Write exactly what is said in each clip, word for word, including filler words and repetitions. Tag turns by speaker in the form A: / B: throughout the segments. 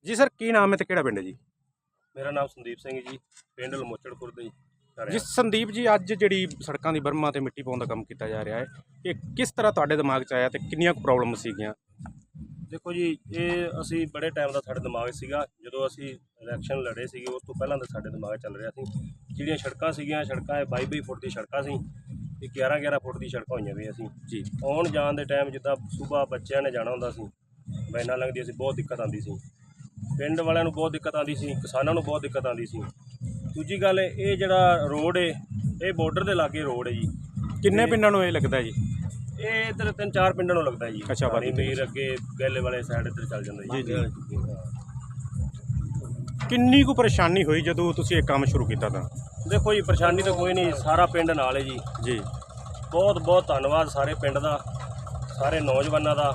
A: ਜੀ ਸਰ, ਕੀ ਨਾਮ ਹੈ ਤੇ ਕਿਹੜਾ ਪਿੰਡ ਹੈ ਜੀ?
B: ਮੇਰਾ ਨਾਮ ਸੰਦੀਪ ਸਿੰਘ ਜੀ, ਪਿੰਡ ਲਮੋਚੜ ਖੁਰਦ ਜੀ।
A: ਜੀ ਸੰਦੀਪ ਜੀ, ਅੱਜ ਜਿਹੜੀ ਸੜਕਾਂ ਦੀ ਬਰਮਾ ਤੇ ਮਿੱਟੀ ਪਾਉਣ ਦਾ ਕੰਮ ਕੀਤਾ ਜਾ ਰਿਹਾ ਹੈ, ਇਹ ਕਿਸ ਤਰ੍ਹਾਂ ਤੁਹਾਡੇ ਦਿਮਾਗ 'ਚ ਆਇਆ ਤੇ ਕਿੰਨੀਆਂ ਕੁ ਪ੍ਰੋਬਲਮ ਸੀਗੀਆਂ?
B: ਦੇਖੋ ਜੀ, ਇਹ ਅਸੀਂ ਬੜੇ ਟਾਈਮ ਦਾ ਸਾਡੇ ਦਿਮਾਗ 'ਚ ਸੀਗਾ। ਜਦੋਂ ਅਸੀਂ ਇਲੈਕਸ਼ਨ ਲੜੇ ਸੀਗੇ ਉਸ ਤੋਂ ਪਹਿਲਾਂ ਦਾ ਸਾਡੇ ਦਿਮਾਗ 'ਚ ਚੱਲ ਰਿਹਾ ਸੀ। ਜਿਹੜੀਆਂ ਸੜਕਾਂ ਸੀਗੀਆਂ, ਸੜਕਾਂ ਇਹ ਬਾਈ ਬਾਈ ਫੁੱਟ ਦੀ ਸੜਕਾਂ ਸੀ ਤੇ ਗਿਆਰਾਂ ਗਿਆਰਾਂ ਫੁੱਟ ਦੀ ਸੜਕਾਂ ਹੋਈਆਂ ਵੀ ਅਸੀਂ
A: ਜੀ
B: ਆਉਣ ਜਾਣ ਦੇ ਟਾਈਮ ਜਿੱਦਾਂ ਸੁਬਾਹ ਬੱਚਿਆਂ ਨੇ ਜਾਣਾ ਹੁੰਦਾ ਸੀ, ਵੈਨਾਂ ਲੰਘਦੀਆਂ ਸੀ, ਬਹੁਤ ਦਿੱਕਤ ਆਉਂਦੀ ਸੀ। ਪਿੰਡ ਵਾਲਿਆਂ ਨੂੰ ਬਹੁਤ ਦਿੱਕਤ ਆਉਂਦੀ ਸੀ, ਕਿਸਾਨਾਂ ਨੂੰ ਬਹੁਤ ਦਿੱਕਤ ਆਉਂਦੀ ਸੀ। ਦੂਜੀ ਗੱਲ, ਇਹ ਜਿਹੜਾ ਰੋਡ ਏ ਇਹ ਬਾਰਡਰ ਦੇ ਲਾਗੇ ਰੋਡ ਹੈ ਜੀ।
A: ਕਿੰਨੇ ਪਿੰਡਾਂ ਨੂੰ ਇਹ ਲੱਗਦਾ ਜੀ?
B: ਇਹ ਇੱਧਰ ਤਿੰਨ ਚਾਰ ਪਿੰਡਾਂ ਨੂੰ ਲੱਗਦਾ ਜੀ।
A: ਅੱਛਾ,
B: ਪਾਣੀ ਮੀਰ ਅੱਗੇ ਗੈਲੇ ਵਾਲੇ ਸਾਈਡ ਇੱਧਰ ਚੱਲ ਜਾਂਦਾ ਜੀ।
A: ਜੀ ਕਿੰਨੀ ਕੁ ਪਰੇਸ਼ਾਨੀ ਹੋਈ ਜਦੋਂ ਤੁਸੀਂ ਇਹ ਕੰਮ ਸ਼ੁਰੂ ਕੀਤਾ ਤਾਂ?
B: ਦੇਖੋ ਜੀ, ਪਰੇਸ਼ਾਨੀ ਤਾਂ ਕੋਈ ਨਹੀਂ, ਸਾਰਾ ਪਿੰਡ ਨਾਲ ਹੈ ਜੀ।
A: ਜੀ
B: ਬਹੁਤ ਬਹੁਤ ਧੰਨਵਾਦ ਸਾਰੇ ਪਿੰਡ ਦਾ, ਸਾਰੇ ਨੌਜਵਾਨਾਂ ਦਾ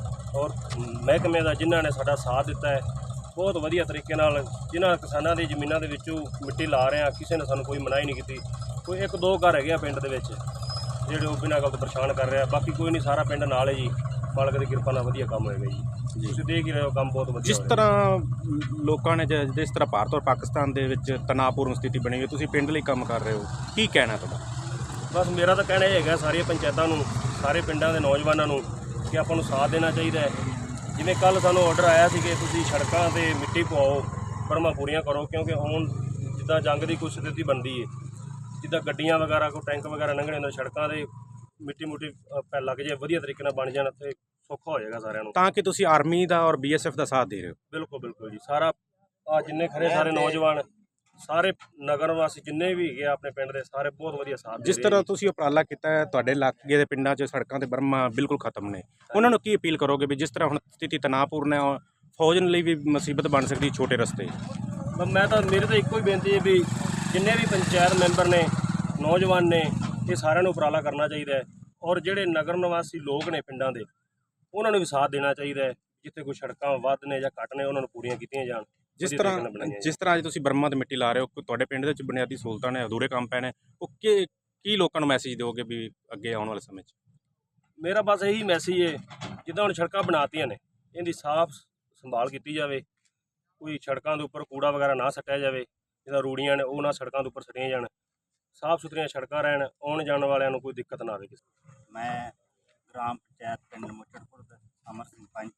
B: ਔਰ ਮਹਿਕਮੇ ਦਾ, ਜਿਨ੍ਹਾਂ ਨੇ ਸਾਡਾ ਸਾਥ ਦਿੱਤਾ ਹੈ ਬਹੁਤ ਵਧੀਆ ਤਰੀਕੇ ਨਾਲ। ਜਿਨ੍ਹਾਂ ਕਿਸਾਨਾਂ ਦੀ ਜ਼ਮੀਨਾਂ ਦੇ ਵਿੱਚੋਂ ਮਿੱਟੀ ਲਾ ਰਹੇ ਆ, ਕਿਸੇ ਨੇ ਸਾਨੂੰ ਕੋਈ ਮਨਾਹੀ ਨਹੀਂ ਕੀਤੀ। ਕੋਈ ਇੱਕ ਦੋ ਘਰ ਹੈਗੇ ਆ ਪਿੰਡ ਦੇ ਵਿੱਚ ਜਿਹੜੇ ਉਹ ਬਿਨਾਂ ਗੱਲ ਤੋਂ ਪਰੇਸ਼ਾਨ ਕਰ ਰਿਹਾ, ਬਾਕੀ ਕੋਈ ਨਹੀਂ, ਸਾਰਾ ਪਿੰਡ ਨਾਲ ਹੈ ਜੀ। ਮਾਲਕ ਦੀ ਕਿਰਪਾ ਨਾਲ ਵਧੀਆ ਕੰਮ ਹੋਏਗਾ ਜੀ। ਤੁਸੀਂ ਦੇਖ ਹੀ ਰਹੇ ਹੋ, ਕੰਮ ਬਹੁਤ ਵਧੀਆ।
A: ਜਿਸ ਤਰ੍ਹਾਂ ਲੋਕਾਂ ਨੇ ਜ- ਜਿਸ ਤਰ੍ਹਾਂ ਭਾਰਤ ਔਰ ਪਾਕਿਸਤਾਨ ਦੇ ਵਿੱਚ ਤਣਾਅਪੂਰਨ ਸਥਿਤੀ ਬਣੀ ਹੋਈ, ਤੁਸੀਂ ਪਿੰਡ ਲਈ ਕੰਮ ਕਰ ਰਹੇ ਹੋ, ਕੀ ਕਹਿਣਾ ਤੁਹਾਡਾ?
B: ਬਸ ਮੇਰਾ ਤਾਂ ਕਹਿਣਾ ਇਹ ਹੈਗਾ ਸਾਰੀਆਂ ਪੰਚਾਇਤਾਂ ਨੂੰ, ਸਾਰੇ ਪਿੰਡਾਂ ਦੇ ਨੌਜਵਾਨਾਂ ਨੂੰ, ਕਿ ਆਪਾਂ ਨੂੰ ਸਾਥ ਦੇਣਾ ਚਾਹੀਦਾ ਹੈ। ਜਿਵੇਂ ਕੱਲ੍ਹ ਸਾਨੂੰ ਆਰਡਰ ਆਇਆ ਸੀ ਕਿ ਤੁਸੀਂ ਸੜਕਾਂ 'ਤੇ ਮਿੱਟੀ ਪਵਾਓ, ਬਰਮਾਂ ਪੂਰੀਆਂ ਕਰੋ, ਕਿਉਂਕਿ ਹੁਣ ਜਿੱਦਾਂ ਜੰਗ ਦੀ ਕੁਛ ਸਥਿਤੀ ਬਣਦੀ ਹੈ, ਜਿੱਦਾਂ ਗੱਡੀਆਂ ਵਗੈਰਾ ਕੋਈ ਟੈਂਕ ਵਗੈਰਾ ਲੰਘਣੇ ਹੁੰਦੇ, ਸੜਕਾਂ 'ਤੇ ਮਿੱਟੀ ਮੁੱਟੀ ਪੈ ਲੱਗ ਜਾਏ, ਵਧੀਆ ਤਰੀਕੇ ਨਾਲ ਬਣ ਜਾਣ ਤੇ ਸੌਖਾ ਹੋ ਜਾਏਗਾ ਸਾਰਿਆਂ ਨੂੰ।
A: ਤਾਂ ਕਿ ਤੁਸੀਂ ਆਰਮੀ ਦਾ ਔਰ ਬੀ ਐਸ ਐਫ ਦਾ ਸਾਥ ਦੇ ਰਹੇ ਹੋ?
B: ਬਿਲਕੁਲ ਬਿਲਕੁਲ ਜੀ। ਸਾਰਾ ਆ ਜਿੰਨੇ ਖਰੇ ਸਾਰੇ ਨੌਜਵਾਨ, ਸਾਰੇ ਨਗਰ ਵਾਸੀ ਜਿੰਨੇ ਵੀ ਹੈਗੇ ਆ ਆਪਣੇ ਪਿੰਡ ਦੇ, ਸਾਰੇ ਬਹੁਤ ਵਧੀਆ ਸਾਥ ਦੇ
A: ਜਿਸ
B: ਰਹੇ
A: ਤਰ੍ਹਾਂ
B: ਜੀ।
A: ਤੁਸੀਂ ਉਪਰਾਲਾ ਕੀਤਾ ਹੈ, ਤੁਹਾਡੇ ਇਲਾਕੇ ਦੇ ਪਿੰਡਾਂ 'ਚ ਸੜਕਾਂ ਤੇ ਬਰਮਾ ਬਿਲਕੁਲ ਖਤਮ ਨੇ, ਉਹਨਾਂ ਨੂੰ ਕੀ ਅਪੀਲ ਕਰੋਗੇ ਵੀ ਜਿਸ ਤਰ੍ਹਾਂ ਹੁਣ ਸਥਿਤੀ ਤਣਾਅਪੂਰਨ ਹੈ, ਔਰ ਫੌਜ ਲਈ ਵੀ ਮੁਸੀਬਤ ਬਣ ਸਕਦੀ ਛੋਟੇ ਰਸਤੇ?
B: ਬ- ਮੈਂ ਤਾਂ ਮੇਰੇ ਤਾਂ ਇੱਕੋ ਹੀ ਬੇਨਤੀ ਹੈ ਵੀ ਜਿੰਨੇ ਵੀ ਪੰਚਾਇਤ ਮੈਂਬਰ ਨੇ, ਨੌਜਵਾਨ ਨੇ, ਇਹ ਸਾਰਿਆਂ ਨੂੰ ਉਪਰਾਲਾ ਕਰਨਾ ਚਾਹੀਦਾ ਹੈ। ਔਰ ਜਿਹੜੇ ਨਗਰ ਨਿਵਾਸੀ ਲੋਕ ਨੇ ਪਿੰਡਾਂ ਦੇ, ਉਹਨਾਂ ਨੂੰ ਵੀ ਸਾਥ ਦੇਣਾ ਚਾਹੀਦਾ ਹੈ। ਜਿੱਥੇ ਕੋਈ ਸੜਕਾਂ ਵੱਧ ਨੇ ਜਾਂ ਘੱਟ ਨੇ, ਉਹਨਾਂ ਨੂੰ ਪੂਰੀਆਂ ਕੀਤੀਆਂ ਜਾਣ।
A: ਜਿਸ
B: ਵਧੀਆ ਤਰੀਕੇ ਨਾਲ
A: ਤਰ੍ਹਾਂ
B: ਬਣਾਈਆਂ
A: ਜਿਸ ਤਰ੍ਹਾਂ ਅੱਜ ਤੁਸੀਂ ਬਰਮਾ ਤੇ ਮਿੱਟੀ ਲਾ ਰਹੇ ਹੋ, ਕੋਈ ਤੁਹਾਡੇ ਪਿੰਡ ਦੇ ਵਿੱਚ ਬੁਨਿਆਦੀ ਸਹੂਲਤਾਂ ਨੇ, ਅਧੂਰੇ ਕੰਮ ਪਏ ਨੇ, ਉਹ ਕੀ ਕੀ ਲੋਕਾਂ ਨੂੰ ਮੈਸੇਜ ਦਿਓਗੇ ਵੀ ਅੱਗੇ ਆਉਣ ਵਾਲੇ ਸਮੇਂ 'ਚ?
B: ਜਾਣ। ਮੇਰਾ ਬਸ ਇਹੀ ਮੈਸੇਜ ਹੈ, ਜਿੱਦਾਂ ਹੁਣ ਸੜਕਾਂ ਬਣਾਤੀਆਂ ਨੇ, ਇਹਦੀ ਸਾਫ਼ ਸੰਭਾਲ ਕੀਤੀ ਜਾਵੇ। ਕੋਈ ਸੜਕਾਂ ਦੇ ਉੱਪਰ ਕੂੜਾ ਵਗੈਰਾ ਨਾ ਸੱਟਿਆ ਜਾਵੇ, ਜਿੱਦਾਂ ਰੂੜੀਆਂ ਨੇ ਉਹ ਨਾ ਸੜਕਾਂ ਦੇ ਉੱਪਰ ਸੱਟੀਆਂ ਜਾਣ। ਸਾਫ਼ ਸੁਥਰੀਆਂ ਸੜਕਾਂ ਰਹਿਣ, ਆਉਣ ਜਾਣ ਵਾਲਿਆਂ ਨੂੰ ਕੋਈ ਦਿੱਕਤ ਨਾ ਆਵੇ ਕਿਸੇ ਨੂੰ।
C: ਮੈਂ ਗ੍ਰਾਮ ਪੰਚਾਇਤ ਪਿੰਡ ਮੁੱਚੜਪੁਰ ਦਾ ਅਮਰ ਸਿੰਘ ਪੰਚ।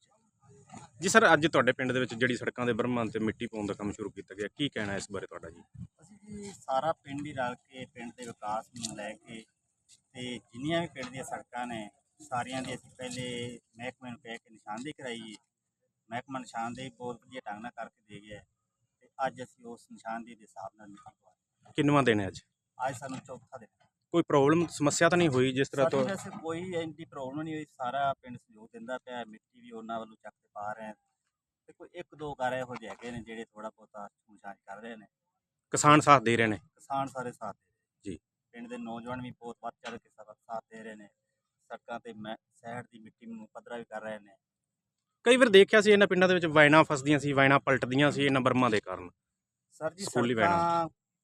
A: ਜੀ ਸਰ, ਅੱਜ ਤੁਹਾਡੇ ਪਿੰਡ ਦੇ ਵਿੱਚ ਜਿਹੜੀ ਸੜਕਾਂ ਦੇ ਬਰਮਾ ਤੇ ਮਿੱਟੀ ਪਾਉਣ ਦਾ ਕੰਮ ਸ਼ੁਰੂ ਕੀਤਾ ਗਿਆ, ਕੀ ਕਹਿਣਾ ਇਸ ਬਾਰੇ ਤੁਹਾਡਾ ਜੀ?
C: ਅਸੀਂ ਜੀ ਸਾਰਾ ਪਿੰਡ ਹੀ ਰਲ ਕੇ ਪਿੰਡ ਦੇ ਵਿਕਾਸ ਨੂੰ ਲੈ ਕੇ ਤੇ ਜਿੰਨੀਆਂ ਵੀ ਪਿੰਡ ਦੀਆਂ ਸੜਕਾਂ ਨੇ ਸਾਰੀਆਂ ਦੀ ਅਸੀਂ ਪਹਿਲੇ ਮਹਿਕਮੇ ਨੂੰ ਕਹਿ ਕੇ ਨਿਸ਼ਾਨਦੇਹੀ ਕਰਾਈ। ਮਹਿਕਮਾ ਨਿਸ਼ਾਨਦੇਹੀ ਬਹੁਤ ਵਧੀਆ ਢੰਗ ਨਾਲ ਕਰਕੇ ਦੇ ਗਿਆ ਤੇ ਅੱਜ ਅਸੀਂ ਉਸ ਨਿਸ਼ਾਨਦੇਹੀ ਦੇ ਹਿਸਾਬ ਨਾਲ ਮਿੱਟੀ ਪਵਾ।
A: ਕਿੰਨਵਾਂ ਦਿਨ ਹੈ ਅੱਜ?
C: ਅੱਜ ਸਾਨੂੰ ਚੌਥਾ ਦਿਨ ਹੈ।
A: ਕੋਈ ਪ੍ਰੋਬਲਮ ਸਮੱਸਿਆ ਤਾਂ ਨਹੀਂ ਹੋਈ ਜਿਸ ਤਰ੍ਹਾਂ
C: ਸਾਡੀ
A: ਤੋਂ?
C: ਵੈਸੇ ਕੋਈ ਇੰਨੀ ਪ੍ਰੋਬਲਮ ਨਹੀਂ ਹੋਈ, ਸਾਰਾ ਪਿੰਡ ਸਹਿਯੋਗ ਦਿੰਦਾ ਪਿਆ। ਮਿੱਟੀ ਵੀ ਉਹਨਾਂ ਵੱਲੋਂ ਚੱਕ ਕੇ ਪਾ ਰਹੇ ਤੇ ਕੋਈ ਇੱਕ ਦੋ ਘਰ ਇਹੋ ਜਿਹੇ ਹੈਗੇ ਨੇ ਜਿਹੜੇ ਥੋੜਾ ਬਹੁਤਾ ਛੂਛਾਛ ਕਰ ਰਹੇ ਨੇ।
A: ਕਿਸਾਨ ਸਾਥ ਦੇ ਰਹੇ ਨੇ?
C: ਕਿਸਾਨ ਸਾਰੇ ਸਾਥ ਦੇ ਰਹੇ
A: ਜੀ।
C: ਪਿੰਡ ਦੇ ਨੌਜਵਾਨ ਵੀ ਬਹੁਤ ਵੱਧ ਚੜ੍ਹ ਕੇ ਸਾਰਾ ਸਾਥ ਦੇ ਰਹੇ ਨੇ। ਸੜਕਾਂ ਤੇ ਮੈਂ ਸਾਈਡ ਦੀ ਮਿੱਟੀ ਨੂੰ ਪੱਧਰਾ ਵੀ ਕਰ ਰਹੇ ਨੇ।
A: ਕਈ ਵਾਰ ਦੇਖਿਆ ਸੀ ਇਹਨਾਂ ਪਿੰਡਾਂ ਦੇ ਵਿੱਚ ਵਾਇਨਾਂ ਫਸਦੀਆਂ ਸੀ, ਵਾਇਨਾਂ ਪਲਟਦੀਆਂ ਸੀ ਇਹਨਾਂ ਬਰਮਾ ਦੇ ਕਾਰਨ।
C: ਸਰ ਜੀ
A: ਸਕੂਲੀ
C: ਸੜਕਾਂ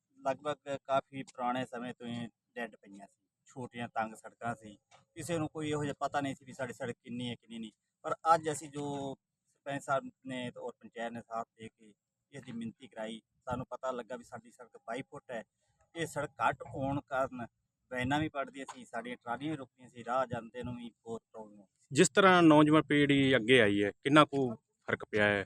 C: ਲਗਭਗ ਕਾਫੀ ਪੁਰਾਣੇ ਸਮੇਂ ਤੋਂ ਹੀ ਡੈੱਡ ਪਈਆਂ ਸੀ, ਛੋਟੀਆਂ ਤੰਗ ਸੜਕਾਂ ਸੀ। ਕਿਸੇ ਨੂੰ ਕੋਈ ਇਹੋ ਜਿਹਾ ਪਤਾ ਨਹੀਂ ਸੀ ਵੀ ਸਾਡੀ ਸੜਕ ਕਿੰਨੀ ਹੈ ਕਿੰਨੀ ਨਹੀਂ। ਪਰ ਅੱਜ ਅਸੀਂ ਜੋ ਸਰਪੰਚ ਸਾਹਿਬ ਨੇ ਔਰ ਪੰਚਾਇਤ ਨੇ ਸਾਥ ਦੇ ਕੇ ਇਸ ਦੀ ਮਿਣਤੀ ਕਰਾਈ, ਸਾਨੂੰ ਪਤਾ ਲੱਗਾ ਵੀ ਸਾਡੀ ਸੜਕ ਬਾਈ ਫੁੱਟ ਹੈ। ਇਹ ਸੜਕ ਘੱਟ ਹੋਣ ਕਾਰਨ ਵੈਨਾਂ ਵੀ ਪੜਦੀਆਂ ਸੀ, ਸਾਡੀਆਂ ਟਰਾਲੀਆਂ ਵੀ ਰੁਕਦੀਆਂ ਸੀ, ਰਾਹ ਜਾਂਦੇ ਨੂੰ ਵੀ ਬਹੁਤ ਪ੍ਰੋਬਲਮ ਸੀ।
A: ਜਿਸ ਤਰ੍ਹਾਂ ਨੌਜਵਾਨ ਪੀੜ੍ਹੀ ਅੱਗੇ ਆਈ ਹੈ, ਕਿੰਨਾ ਕੁ ਫਰਕ ਪਿਆ ਹੈ?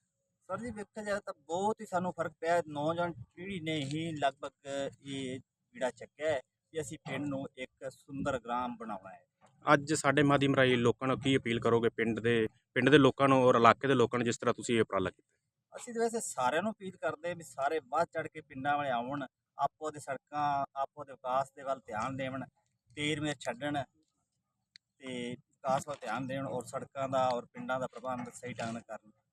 C: ਸਰ ਜੀ ਵੇਖਿਆ ਜਾਏ ਤਾਂ ਬਹੁਤ ਹੀ ਸਾਨੂੰ ਫਰਕ ਪਿਆ। ਨੌਜਵਾਨ ਪੀੜ੍ਹੀ ਨੇ ਹੀ ਲਗਭਗ ਇਹ ਜਿਹੜਾ ਚੱਕਿਆ ਹੈ ਕਿ ਅਸੀਂ ਪਿੰਡ ਨੂੰ ਇੱਕ ਸੁੰਦਰ ਗ੍ਰਾਮ ਬਣਾਉਣਾ ਹੈ।
A: ਅੱਜ ਸਾਡੇ ਮਾਧਿਅਮ ਰਾਹੀਂ ਲੋਕਾਂ ਨੂੰ ਕੀ ਅਪੀਲ ਕਰੋਗੇ, ਪਿੰਡ ਦੇ ਪਿੰਡ ਦੇ ਲੋਕਾਂ ਨੂੰ ਔਰ ਇਲਾਕੇ ਦੇ ਲੋਕਾਂ ਨੂੰ, ਜਿਸ ਤਰ੍ਹਾਂ ਤੁਸੀਂ ਇਹ ਉਪਰਾਲਾ ਕੀਤਾ?
C: ਅਸੀਂ ਤਾਂ ਵੈਸੇ ਸਾਰਿਆਂ ਨੂੰ ਅਪੀਲ ਕਰਦੇ ਵੀ ਸਾਰੇ ਵੱਧ ਚੜ੍ਹ ਕੇ ਪਿੰਡਾਂ ਵਾਲੇ ਆਉਣ, ਆਪੋ ਦੇ ਸੜਕਾਂ ਆਪੋ ਦੇ ਵਿਕਾਸ ਦੇ ਵੱਲ ਧਿਆਨ ਦੇਣ, ਤੇਰ ਮੇਰ ਛੱਡਣ ਤੇ ਵਿਕਾਸ ਵੱਲ ਧਿਆਨ ਦੇਣ ਔਰ ਸੜਕਾਂ ਦਾ ਔਰ ਪਿੰਡਾਂ ਦਾ ਪ੍ਰਬੰਧ ਸਹੀ ਢੰਗ ਨਾਲ ਕਰਨ।